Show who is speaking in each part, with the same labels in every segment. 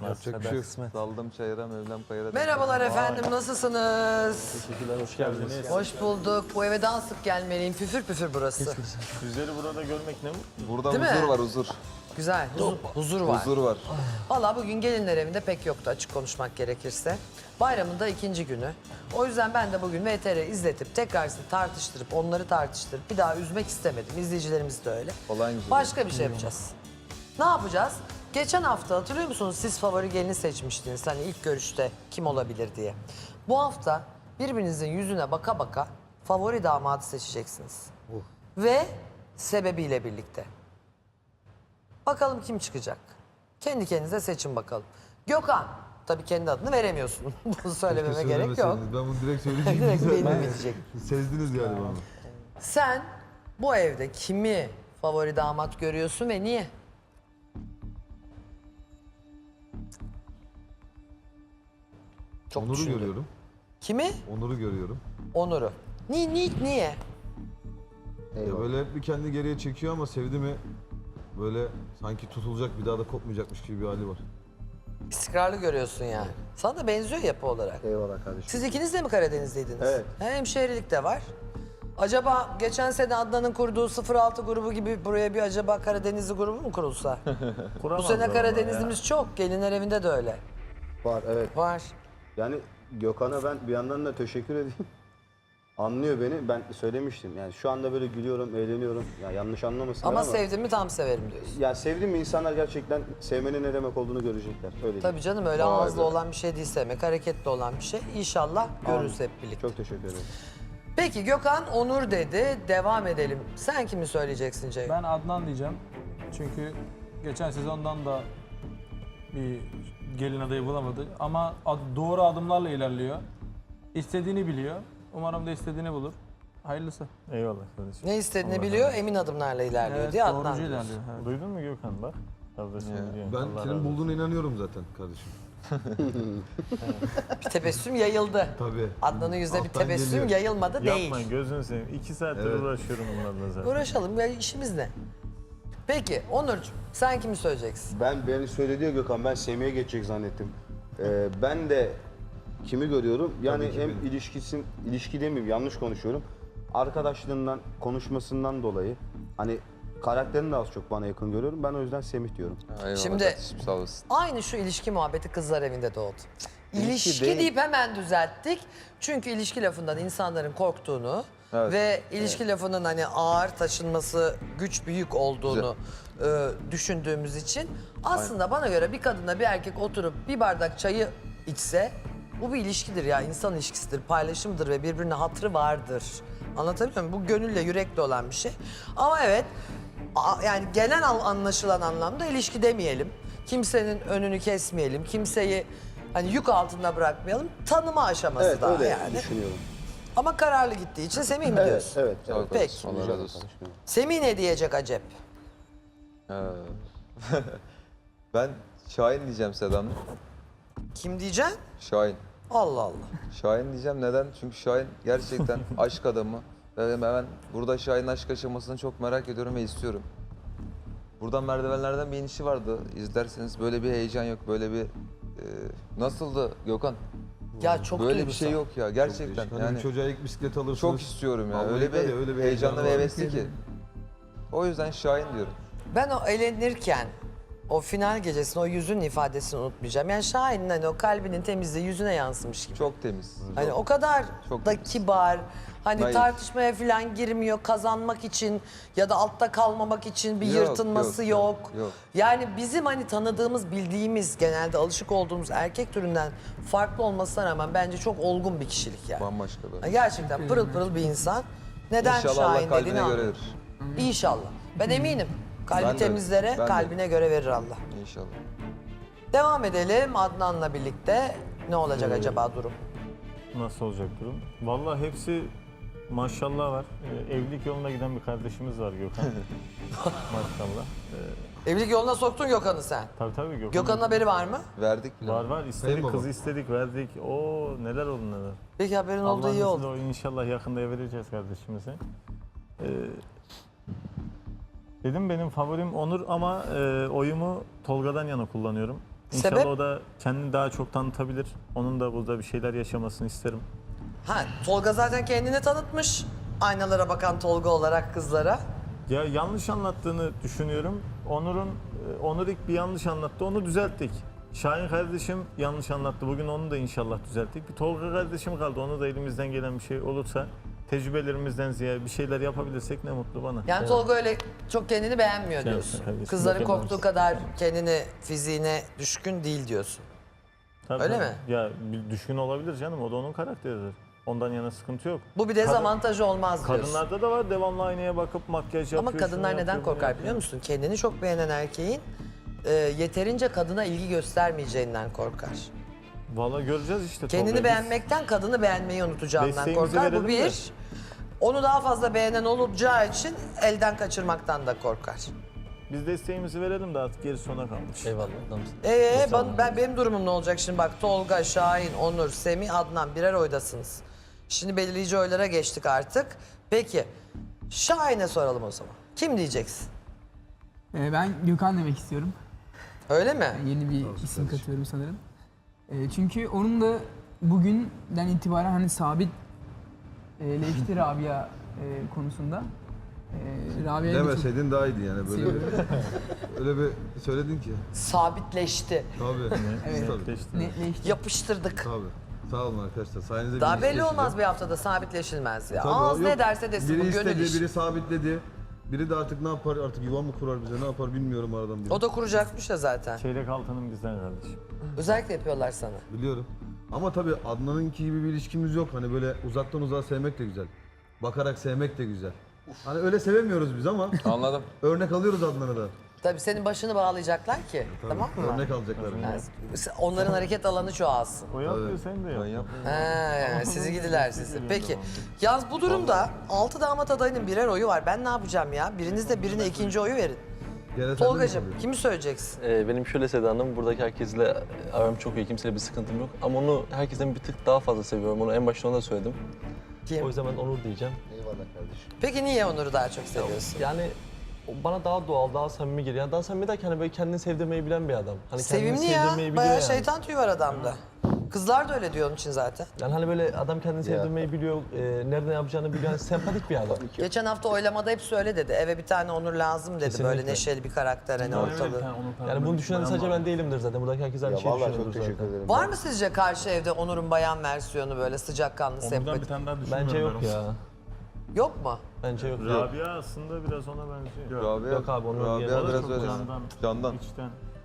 Speaker 1: Yapacak bir şey yok. Saldım çayıra, Mevlam kayıra.
Speaker 2: Merhabalar efendim, nasılsınız?
Speaker 3: Teşekkürler, hoş geldiniz.
Speaker 2: Hoş bulduk. Bu eve daha sık gelmeliyim. Püfür püfür burası.
Speaker 3: Sizleri burada görmek ne mutlu.
Speaker 1: Burada
Speaker 2: Değil
Speaker 1: huzur
Speaker 2: mi?
Speaker 1: var, huzur.
Speaker 2: Güzel, huzur var.
Speaker 1: Huzur var.
Speaker 2: Vallahi bugün gelinler evinde pek yoktu açık konuşmak gerekirse. Bayramın da ikinci günü. O yüzden ben de bugün VTR izletip tekrar sizi tartıştırıp onları tartıştırıp bir daha üzmek istemedim. İzleyicilerimiz de öyle.
Speaker 1: Olay güzel.
Speaker 2: Başka bir şey yapacağız. Ne yapacağız? Geçen hafta hatırlıyor musunuz siz favori gelini seçmiştiniz hani ilk görüşte kim olabilir diye. Bu hafta birbirinizin yüzüne baka baka favori damadı seçeceksiniz. Ve sebebiyle birlikte. Bakalım kim çıkacak? Kendi kendinize seçin bakalım. Gökhan. Tabii kendi adını veremiyorsun. Bunu söylememe gerek yok.
Speaker 4: söylemeseydiniz. Ben bunu direkt söyleyeceğim.
Speaker 2: Direkt
Speaker 4: Güzel.
Speaker 2: benim bitecek.
Speaker 4: Sezdiniz galiba onu.
Speaker 2: Sen bu evde kimi favori damat görüyorsun ve niye? Çok
Speaker 4: Onur'u
Speaker 2: düşündüm.
Speaker 4: görüyorum.
Speaker 2: Kimi?
Speaker 4: Onur'u görüyorum.
Speaker 2: Onur'u. Niye?
Speaker 4: Ya böyle bir kendi geriye çekiyor ama sevdi mi böyle sanki tutulacak bir daha da kopmayacakmış gibi bir hali var.
Speaker 2: İstikrarlı görüyorsun yani. Sana da benziyor yapı olarak.
Speaker 5: Eyvallah kardeşim.
Speaker 2: Siz ikiniz de mi Karadenizliydiniz?
Speaker 5: Evet.
Speaker 2: Hemşehrilik de var. Acaba geçen sene Adnan'ın kurduğu 06 grubu gibi buraya bir acaba Karadenizli grubu mu kurulsa? Bu sene Karadenizlimiz çok. Gelinler evinde de öyle.
Speaker 5: Var evet.
Speaker 2: Var.
Speaker 5: Yani Gökhan'a ben bir yandan da teşekkür edeyim. Anlıyor beni. Ben söylemiştim. Yani şu anda böyle gülüyorum, eğleniyorum. Ya yanlış anlamasınlar
Speaker 2: Ama
Speaker 5: ama.
Speaker 2: sevdim mi tam severim diyorsun.
Speaker 5: Ya sevdiğim insanlar gerçekten sevmenin ne demek olduğunu görecekler. Öyle
Speaker 2: Tabii
Speaker 5: diyeyim.
Speaker 2: canım öyle
Speaker 5: Vay
Speaker 2: ağızlı
Speaker 5: be.
Speaker 2: olan bir şey değil sevmek. Hareketli olan bir şey. İnşallah görürüz hep birlikte.
Speaker 5: Çok teşekkür ederim.
Speaker 2: Peki Gökhan Onur dedi. Devam edelim. Sen kimi söyleyeceksin Ceyhun?
Speaker 6: Ben Adnan diyeceğim. Çünkü geçen sezondan da bir gelin adayı bulamadı. Ama doğru adımlarla ilerliyor. İstediğini biliyor. Umarım da istediğini bulur. Hayırlısı.
Speaker 3: Eyvallah kardeşim.
Speaker 2: Ne istediğini
Speaker 3: Allah
Speaker 2: biliyor,
Speaker 3: razı
Speaker 2: emin adımlarla ilerliyor
Speaker 6: Evet,
Speaker 2: diye Adnan
Speaker 6: doğrucu
Speaker 2: diyorsun.
Speaker 6: ilerliyor. Evet.
Speaker 3: olsun. Duydun mu Gökhan bak? Kardeşim biliyor.
Speaker 4: Ben
Speaker 3: Allah razı
Speaker 4: senin
Speaker 3: olsun.
Speaker 4: bulduğuna inanıyorum zaten kardeşim.
Speaker 2: Bir tebessüm yayıldı.
Speaker 4: Tabii.
Speaker 2: Adnan'ın yüzünde bir
Speaker 4: Alttan
Speaker 2: tebessüm
Speaker 4: geliyor.
Speaker 2: yayılmadı değil.
Speaker 3: Yapmayın gözünü seveyim. 2 saattir
Speaker 4: Evet.
Speaker 3: uğraşıyorum bunlarla zaten.
Speaker 2: Uğraşalım ya işimiz ne? Peki Onurcuğum sen kimi söyleyeceksin?
Speaker 5: Beni söyledi ya Gökhan. Ben Semih'e geçecek zannettim. Ben de kimi görüyorum? Yani
Speaker 4: Tabii ki
Speaker 5: hem
Speaker 4: benim.
Speaker 5: ilişki demeyeyim yanlış konuşuyorum. Arkadaşlığından, konuşmasından dolayı hani karakterini de az çok bana yakın görüyorum. Ben o yüzden Semih diyorum.
Speaker 1: Eyvallah
Speaker 2: Şimdi-
Speaker 1: kardeşim, sağ olasın.
Speaker 2: Aynı şu ilişki muhabbeti kızlar evinde doğdu. İlişki
Speaker 5: değil.
Speaker 2: deyip hemen düzelttik. Çünkü ilişki lafından insanların korktuğunu
Speaker 1: Evet.
Speaker 2: ve ilişki lafının hani ağır taşınması, güç büyük olduğunu düşündüğümüz için aslında bana göre bir kadınla bir erkek oturup bir bardak çayı içse bu bir ilişkidir ya, insan ilişkisidir, paylaşımdır ve birbirine hatırı vardır. Anlatabiliyor muyum? Bu gönülle, yürekle olan bir şey. Ama evet, yani genel anlaşılan anlamda ilişki demeyelim. Kimsenin önünü kesmeyelim, kimseyi hani yük altında bırakmayalım. Tanıma aşaması
Speaker 5: Evet
Speaker 2: daha
Speaker 5: öyle
Speaker 2: yani.
Speaker 5: düşünüyorum.
Speaker 2: Ama kararlı gittiği için Semih mi
Speaker 5: Evet,
Speaker 2: diyorsun?
Speaker 5: evet.
Speaker 1: Sağ ol
Speaker 5: evet.
Speaker 2: Peki.
Speaker 1: kardeşim, Allah razı olsun.
Speaker 2: Semih ne diyecek acep?
Speaker 1: Ben Şahin diyeceğim Sedam.
Speaker 2: Kim diyeceksin?
Speaker 1: Şahin.
Speaker 2: Allah Allah.
Speaker 1: Şahin diyeceğim neden? Çünkü Şahin gerçekten aşk adamı. Ve ben burada Şahin'in aşk aşamasını çok merak ediyorum ve istiyorum. Buradan merdivenlerden bir inişi vardı. İzlerseniz böyle bir heyecan yok, böyle bir... nasıldı Gökhan?
Speaker 2: Ya çok
Speaker 1: Böyle bir
Speaker 2: duygusal.
Speaker 1: şey yok ya gerçekten.
Speaker 4: Hani
Speaker 1: Yani
Speaker 4: bir çocuğa ilk bisiklet alırsınız.
Speaker 1: çok istiyorum ya.
Speaker 4: Vallahi
Speaker 1: Öyle
Speaker 4: var ya,
Speaker 1: bir,
Speaker 4: öyle bir
Speaker 1: heyecanlı ve
Speaker 4: heyecan var.
Speaker 1: hevesli ki. O yüzden Şahin diyorum.
Speaker 2: Ben o eğlenirken o final gecesinde o yüzün ifadesini unutmayacağım. Yani Şahin'in hani o kalbinin temizliği yüzüne yansımış gibi.
Speaker 1: Çok temiz.
Speaker 2: Hani o kadar
Speaker 1: Çok
Speaker 2: da
Speaker 1: temiz.
Speaker 2: kibar, hani
Speaker 1: Naif.
Speaker 2: tartışmaya falan girmiyor kazanmak için ya da altta kalmamak için bir
Speaker 1: Yok,
Speaker 2: yırtınması yok,
Speaker 1: yok, yok.
Speaker 2: Yani bizim hani tanıdığımız, bildiğimiz, genelde alışık olduğumuz erkek türünden farklı olmasına rağmen bence çok olgun bir kişilik yani.
Speaker 1: Bambaşka böyle.
Speaker 2: Gerçekten pırıl pırıl bir insan. Neden
Speaker 1: İnşallah Allah
Speaker 2: Şahin dediğini
Speaker 1: kalbine göre
Speaker 2: anlıyorum.
Speaker 1: verir.
Speaker 2: İnşallah. Ben eminim. Kalbi
Speaker 1: Ben de,
Speaker 2: temizlere
Speaker 1: ben de.
Speaker 2: kalbine göre verir Allah.
Speaker 1: İnşallah.
Speaker 2: Devam edelim Adnan'la birlikte. Ne olacak acaba durum?
Speaker 3: Nasıl olacak durum? Vallahi hepsi maşallah var. Evlilik yoluna giden bir kardeşimiz var Gökhan. Maşallah.
Speaker 2: Evlilik yoluna soktun Gökhan'ı sen.
Speaker 3: Tabii Gökhan.
Speaker 2: Gökhan'ın haberi var mı?
Speaker 1: Verdik bile.
Speaker 3: Var istedik,
Speaker 4: Sayın baba.
Speaker 3: kızı istedik, verdik. O neler oldu neler.
Speaker 2: Peki haberin oldu
Speaker 3: Allah'ın
Speaker 2: iyi
Speaker 3: izniyle
Speaker 2: oldu.
Speaker 3: o inşallah yakında vereceğiz kardeşimize. Dedim benim favorim Onur ama oyumu Tolga'dan yana kullanıyorum. İnşallah
Speaker 2: Sebep?
Speaker 3: o da kendini daha çok tanıtabilir. Onun da burada bir şeyler yaşamasını isterim.
Speaker 2: Ha, Tolga zaten kendini tanıtmış. Aynalara bakan Tolga olarak kızlara.
Speaker 3: Ya yanlış anlattığını düşünüyorum. Onur ilk bir yanlış anlattı, onu düzelttik. Şahin kardeşim yanlış anlattı. Bugün onu da inşallah düzelttik. Bir Tolga kardeşim kaldı. Onu da elimizden gelen bir şey olursa, tecrübelerimizden ziyade bir şeyler yapabilirsek ne mutlu bana.
Speaker 2: Yani Tolga öyle çok kendini beğenmiyor diyorsun.
Speaker 3: kardeşim,
Speaker 2: Kızların
Speaker 3: bakın
Speaker 2: korktuğu
Speaker 3: olsun.
Speaker 2: kadar kendini, fiziğine düşkün değil diyorsun.
Speaker 3: Tabii,
Speaker 2: öyle
Speaker 3: tabii.
Speaker 2: mi?
Speaker 3: Ya bir düşkün olabilir canım. O da onun karakteridir. Ondan yana sıkıntı yok.
Speaker 2: Bu bir dezavantajı olmaz diyorsun.
Speaker 3: Kadınlarda da var. Devamlı aynaya bakıp makyaj yapıyor.
Speaker 2: Ama kadınlar
Speaker 3: şunu
Speaker 2: neden
Speaker 3: yapıyor, bunu
Speaker 2: korkar
Speaker 3: yapıyor.
Speaker 2: biliyor musun? Kendini çok beğenen erkeğin yeterince kadına ilgi göstermeyeceğinden korkar.
Speaker 3: Vallahi göreceğiz işte.
Speaker 2: Kendini
Speaker 3: Tolga'yı.
Speaker 2: beğenmekten kadını beğenmeyi unutacağından
Speaker 3: Desteğimizi
Speaker 2: korkar. Bu
Speaker 3: verelim
Speaker 2: bir.
Speaker 3: de.
Speaker 2: Onu daha fazla beğenen olacağı için elden kaçırmaktan da korkar.
Speaker 3: Biz desteğimizi verelim de artık gerisi sona kalmış.
Speaker 7: Eyvallah adamsın.
Speaker 2: Benim durumum ne olacak şimdi bak Tolga, Şahin, Onur, Semih, Adnan birer oydasınız. Şimdi belirleyici oylara geçtik artık. Peki Şahin'e soralım o zaman. Kim diyeceksin?
Speaker 8: Ben Gökhan demek istiyorum.
Speaker 2: Öyle mi?
Speaker 8: Yeni bir isim katıyorum sanırım. Çünkü onun da bugünden itibaren hani sabit leşti Rabia konusunda. Rabia'ya da çok
Speaker 4: Demeseydin daha iyiydi yani böyle bir,
Speaker 8: seviyorum.
Speaker 4: öyle bir söyledin ki.
Speaker 2: Sabitleşti.
Speaker 4: Tabii.
Speaker 8: Evet.
Speaker 4: Tabii.
Speaker 3: İşte.
Speaker 8: Netleşti.
Speaker 2: Yapıştırdık.
Speaker 4: Tabii. Sağ olun arkadaşlar. Sayenizde
Speaker 2: Daha
Speaker 4: bir
Speaker 2: belli
Speaker 4: iş
Speaker 2: olmaz
Speaker 4: yaşayacağım.
Speaker 2: bir haftada sabitleşilmez ya.
Speaker 4: Tabii,
Speaker 2: Ağız
Speaker 4: yok.
Speaker 2: ne derse desin
Speaker 4: Biri
Speaker 2: bu gönül
Speaker 4: istedi,
Speaker 2: işi.
Speaker 4: biri sabitledi. Biri de artık ne yapar? Artık yuva mı kurar bize? Ne yapar bilmiyorum aradan biri.
Speaker 2: O da kuracakmış ya zaten.
Speaker 3: Çeyrek altının bizden kardeşim.
Speaker 2: Özellikle yapıyorlar sana.
Speaker 4: Biliyorum. Ama tabii Adnan'ınki gibi bir ilişkimiz yok. Hani böyle uzaktan uzağa sevmek de güzel. Bakarak sevmek de güzel. Hani öyle sevemiyoruz biz ama
Speaker 1: Anladım.
Speaker 4: örnek alıyoruz Adnan'ı da.
Speaker 2: Tabii senin başını bağlayacaklar ki. Tamam mı?
Speaker 4: Örnek alacaklar.
Speaker 2: Yani onların hareket alanı çoğalsın.
Speaker 3: O yapmıyor, sen de
Speaker 1: Ben
Speaker 3: yap.
Speaker 1: yapmıyorum.
Speaker 2: Yani sizi gidiler sizi. Peki. Yalnız bu durumda 6 damat adayının birer oyu var. Ben ne yapacağım ya? Biriniz de birine ikinci oyu verin.
Speaker 4: Gene sen de mi
Speaker 2: Tolgacığım
Speaker 4: kalıyorsun?
Speaker 2: kimi söyleyeceksin?
Speaker 7: Benim şöyle Seda Hanım, buradaki herkesle aram çok iyi, kimseyle bir sıkıntım yok. Ama onu herkesten bir tık daha fazla seviyorum. Onu en başta ona da söyledim. O
Speaker 2: Kim?
Speaker 7: yüzden ben Onur diyeceğim.
Speaker 5: Eyvallah kardeşim.
Speaker 2: Peki niye Onur'u daha çok seviyorsun?
Speaker 7: Yani o bana daha doğal, daha samimi geliyor. Yani daha samimi derken hani böyle kendini sevdirmeyi bilen bir adam. Hani kendini
Speaker 2: Sevimli ya.
Speaker 7: sevdirmeyi biliyor
Speaker 2: Bayağı
Speaker 7: yani.
Speaker 2: şeytan tüyü var adamda. Kızlar da öyle diyor onun için zaten.
Speaker 7: Yani hani böyle adam kendini sevdirmeyi biliyor, nerede yapacağını biliyor. Yani sempatik bir adam.
Speaker 2: Geçen hafta oylamada hepsi öyle dedi. Eve bir tane Onur lazım dedi.
Speaker 7: Kesinlikle.
Speaker 2: Böyle neşeli bir karakter hani ortalığı.
Speaker 7: Yani bunu düşünen sadece ben değilimdir zaten. Buradaki herkes aynı
Speaker 5: Ya
Speaker 7: şeyi
Speaker 5: vallahi
Speaker 7: düşünüyordur
Speaker 5: çok teşekkür
Speaker 7: zaten.
Speaker 5: ederim.
Speaker 2: Var mı sizce karşı evde Onur'un bayan versiyonu böyle sıcakkanlı,
Speaker 3: Ondan
Speaker 2: sempatik?
Speaker 3: bir tane daha düşünmüyorum.
Speaker 7: Bence yok
Speaker 3: ben.
Speaker 7: ya.
Speaker 2: Yok mu?
Speaker 7: Bence yok.
Speaker 3: Rabia aslında biraz ona benziyor.
Speaker 1: Rabia,
Speaker 7: Yok abi, onu
Speaker 1: Rabia
Speaker 7: diyelim.
Speaker 1: biraz
Speaker 3: Çok
Speaker 1: öyle.
Speaker 3: candan,
Speaker 1: Candan.
Speaker 3: içten.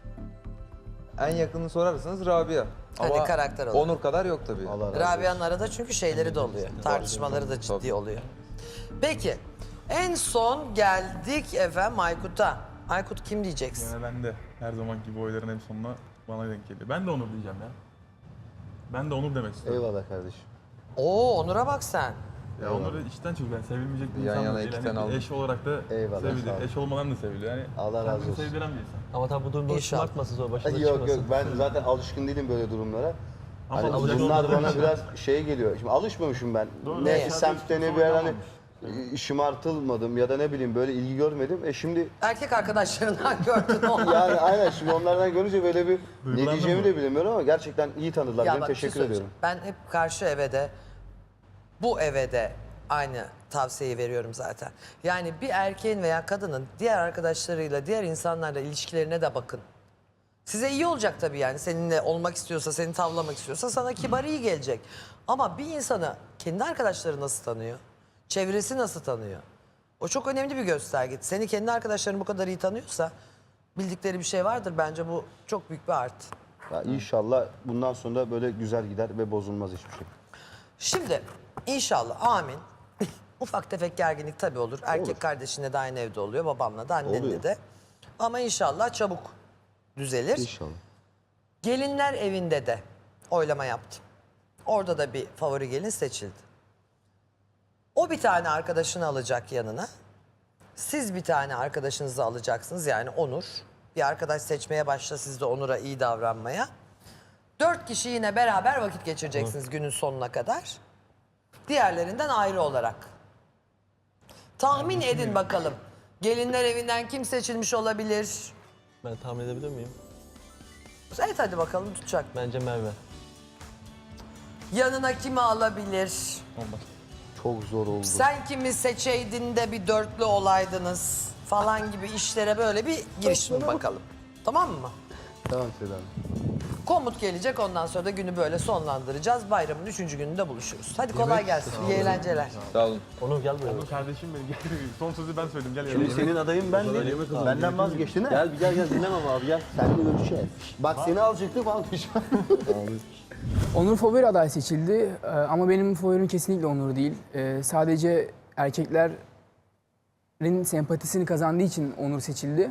Speaker 1: En yakını sorarsanız Rabia.
Speaker 2: Hani
Speaker 1: Ama
Speaker 2: karakter olarak.
Speaker 1: Onur kadar yok tabii.
Speaker 5: Allah razı
Speaker 2: Rabia'nın arada çünkü şeyleri de oluyor. Tartışmaları da ciddi oluyor. Peki. En son geldik efendim Aykut'a. Aykut kim diyeceksin?
Speaker 9: Yani ben de her zamanki gibi oyların en sonuna bana denk geliyor. Ben de Onur diyeceğim ya. Ben de Onur demek istiyorum.
Speaker 5: Eyvallah kardeşim.
Speaker 2: Oo Onur'a bak sen.
Speaker 9: Ya Onur'u içten çok ben sevilmeyecek bir
Speaker 1: Yan
Speaker 9: insan
Speaker 1: yana
Speaker 9: da değil.
Speaker 1: iki
Speaker 9: Yani
Speaker 1: tane aldım.
Speaker 9: eş olarak da
Speaker 5: Eyvallah, sağ ol.
Speaker 9: sevilir. Eş olmadan da seviliyor. Yani
Speaker 5: Allah razı
Speaker 9: kendini
Speaker 5: olsun.
Speaker 9: sevdiren bir insan.
Speaker 7: Ama tabii bu durumda
Speaker 2: İnşallah.
Speaker 7: şımartmasın sonra başına
Speaker 5: Yok
Speaker 7: çıkmasın.
Speaker 5: yok ben zaten alışkın değilim böyle durumlara.
Speaker 9: Ama
Speaker 5: Hani
Speaker 9: alışacak
Speaker 5: bunlar
Speaker 9: olmadan
Speaker 5: bana
Speaker 9: bir şey.
Speaker 5: biraz şey geliyor. Şimdi alışmamışım ben.
Speaker 3: Doğru.
Speaker 5: Ne
Speaker 2: Neye?
Speaker 5: semtte ne bir yer hani şımartılmadım ya da ne bileyim böyle ilgi görmedim. Şimdi
Speaker 2: Erkek arkadaşlarından gördün onu.
Speaker 5: yani aynen şimdi onlardan görünce böyle bir ne
Speaker 9: Duygulandın
Speaker 5: diyeceğimi
Speaker 9: mı?
Speaker 5: de bilemiyorum ama gerçekten iyi tanıdılar
Speaker 2: Ya
Speaker 5: beni.
Speaker 2: bak bir şey
Speaker 5: Teşekkür ediyorum.
Speaker 2: söyleyeceğim. Ben hep karşı eve de bu eve de aynı tavsiyeyi veriyorum zaten. Yani bir erkeğin veya kadının diğer arkadaşlarıyla, diğer insanlarla ilişkilerine de bakın. Size iyi olacak tabii yani. Seninle olmak istiyorsa, seni tavlamak istiyorsa sana kibar iyi gelecek. Ama bir insanı kendi arkadaşları nasıl tanıyor? Çevresi nasıl tanıyor? O çok önemli bir gösterge. Seni kendi arkadaşların bu kadar iyi tanıyorsa bildikleri bir şey vardır. Bence bu çok büyük bir artı.
Speaker 5: Ya inşallah bundan sonra böyle güzel gider ve bozulmaz hiçbir şey.
Speaker 2: Şimdi inşallah amin. Ufak tefek gerginlik tabii olur. Erkek kardeşinle de aynı evde oluyor. Babamla da annenle
Speaker 5: Oluyor.
Speaker 2: de. Ama inşallah çabuk düzelir.
Speaker 5: İnşallah.
Speaker 2: Gelinler evinde de oylama yaptım. Orada da bir favori gelin seçildi. O bir tane arkadaşını alacak yanına. Siz bir tane arkadaşınızı alacaksınız yani Onur. Bir arkadaş seçmeye başla siz de Onur'a iyi davranmaya. 4 kişi yine beraber vakit geçireceksiniz günün sonuna kadar. Diğerlerinden ayrı olarak. Tahmin edin bakalım. Gelinler evinden kim seçilmiş olabilir?
Speaker 7: Ben tahmin edebilir miyim?
Speaker 2: Evet hadi bakalım tutacak.
Speaker 7: Bence Merve.
Speaker 2: Yanına kimi alabilir?
Speaker 7: Olmaz.
Speaker 5: Çok zor oldu.
Speaker 2: Sen kimi seçeydin de bir dörtlü olaydınız falan gibi işlere böyle bir girişin bakalım. Tamam mı?
Speaker 5: Tamam Selam.
Speaker 2: Komut gelecek, ondan sonra da günü böyle sonlandıracağız. Bayramın 3. gününde buluşuruz. Hadi kolay gelsin. İyi eğlenceler.
Speaker 1: Sağ olun.
Speaker 7: Onur gel buraya.
Speaker 9: Kardeşim benim gel. Son sözü ben söyledim. Gel
Speaker 5: Şimdi
Speaker 9: yanıma.
Speaker 5: senin adayın ben değilim. Benden vazgeçtin ha?
Speaker 7: Gel gel dinlemem abi gel.
Speaker 5: Seninle görüşeceğiz. Bak seni alacaktım falan.
Speaker 8: Onur favori aday seçildi ama benim favorim kesinlikle Onur değil. Sadece erkeklerin sempatisini kazandığı için Onur seçildi.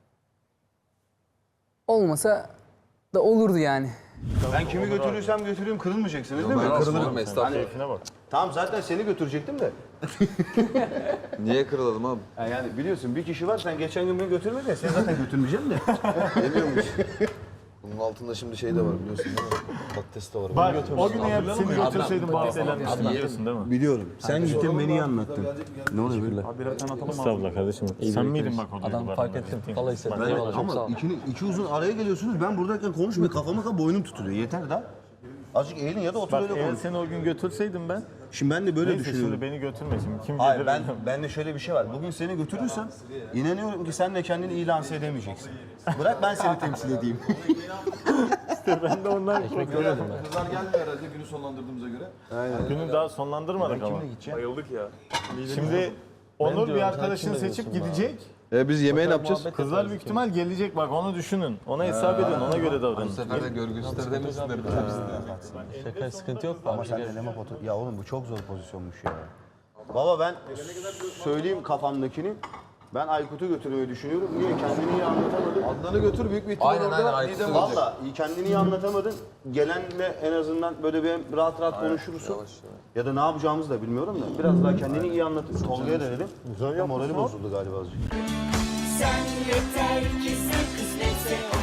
Speaker 8: Olmasa da olurdu yani.
Speaker 5: Ben kimi götürürsem götüreyim kırılmayacaksınız değil mi?
Speaker 1: Ben kırılırım estağfurullah.
Speaker 3: Keyfine bak.
Speaker 5: Tamam zaten seni götürecektim de.
Speaker 1: Niye kırılalım abi?
Speaker 5: Yani biliyorsun bir kişi var sen geçen gün beni götürmedin ya seni zaten götürmeyeceğim de.
Speaker 4: Demiyormuş. Bunun altında şimdi şey de var biliyorsun değil mi? Patates de var.
Speaker 3: Bak o gün eğer seni götürseydim bazı eğlenmiştim biliyorsun değil mi?
Speaker 5: Biliyorum. Sen gittin beni iyi anlattın. Ne oluyor böyle?
Speaker 9: Abi birer tane atalım abi.
Speaker 3: Estağfurullah kardeşim. Sen miydin bak o
Speaker 7: Adam
Speaker 3: duygularına
Speaker 7: fark
Speaker 3: benim
Speaker 7: ettim.
Speaker 3: ettiğim?
Speaker 7: Vallahi hissettim.
Speaker 3: Ben-
Speaker 7: Eyvallah çok sağ ol.
Speaker 5: Ama iki uzun araya geliyorsunuz. Ben buradayken konuşmuyor. Kafama boynum tutuluyor. Yeter da. Azıcık eğilin ya da otur
Speaker 3: Bak
Speaker 5: öyle
Speaker 3: eğer
Speaker 5: konuş.
Speaker 3: seni o gün götürseydim ben,
Speaker 5: Şimdi ben de böyle
Speaker 3: neyse
Speaker 5: düşünüyorum.
Speaker 3: şimdi beni götürme şimdi. Kim
Speaker 5: Hayır
Speaker 3: gelir
Speaker 5: ben de şöyle bir şey var. Bugün seni götürürsem inanıyorum ki sen de kendini iyi lanse edemeyeceksin. Bırak ben seni temsil edeyim.
Speaker 3: ben de ondan
Speaker 7: Ekmek görmedim ben.
Speaker 4: Kızlar gelmiyor herhalde günü sonlandırdığımıza göre.
Speaker 3: günü daha sonlandırmadık ama.
Speaker 9: Bayıldık ya.
Speaker 3: Şimdi Onur
Speaker 7: diyorum,
Speaker 3: bir
Speaker 7: sen
Speaker 3: arkadaşını
Speaker 7: kimle
Speaker 3: seçip
Speaker 7: diyorsun
Speaker 3: gidecek.
Speaker 4: Biz yemeği ne yapacağız?
Speaker 7: Muhabbet
Speaker 3: Kızlar
Speaker 7: yaparız.
Speaker 3: büyük ihtimal gelecek bak onu düşünün. Ona hesap edin ona göre
Speaker 1: Bu
Speaker 3: davranın.
Speaker 1: sefer de görgüsüzler demesinler.
Speaker 7: Şaka sıkıntı yok.
Speaker 5: Ama sen eleme foto... Ya oğlum bu çok zor pozisyonmuş ya. Baba ben söyleyeyim kafamdakini. Ben Aykut'u götürmeyi düşünüyorum. Niye? Kendini iyi anlatamadın.
Speaker 4: Adnan'ı götür büyük bir ihtimal
Speaker 1: Aynen, aynen,
Speaker 4: orada
Speaker 1: Aykut'u
Speaker 4: Didem
Speaker 1: götür.
Speaker 4: olacak.
Speaker 5: Valla iyi kendini iyi anlatamadın. Gelenle en azından böyle bir rahat rahat konuşursun. Ya da ne yapacağımızı da bilmiyorum da. Biraz daha kendini iyi anlatırsın. Tolga'ya da dedim. Morali bozuldu galiba azıcık.
Speaker 10: Sen yeter ki sen kısmetse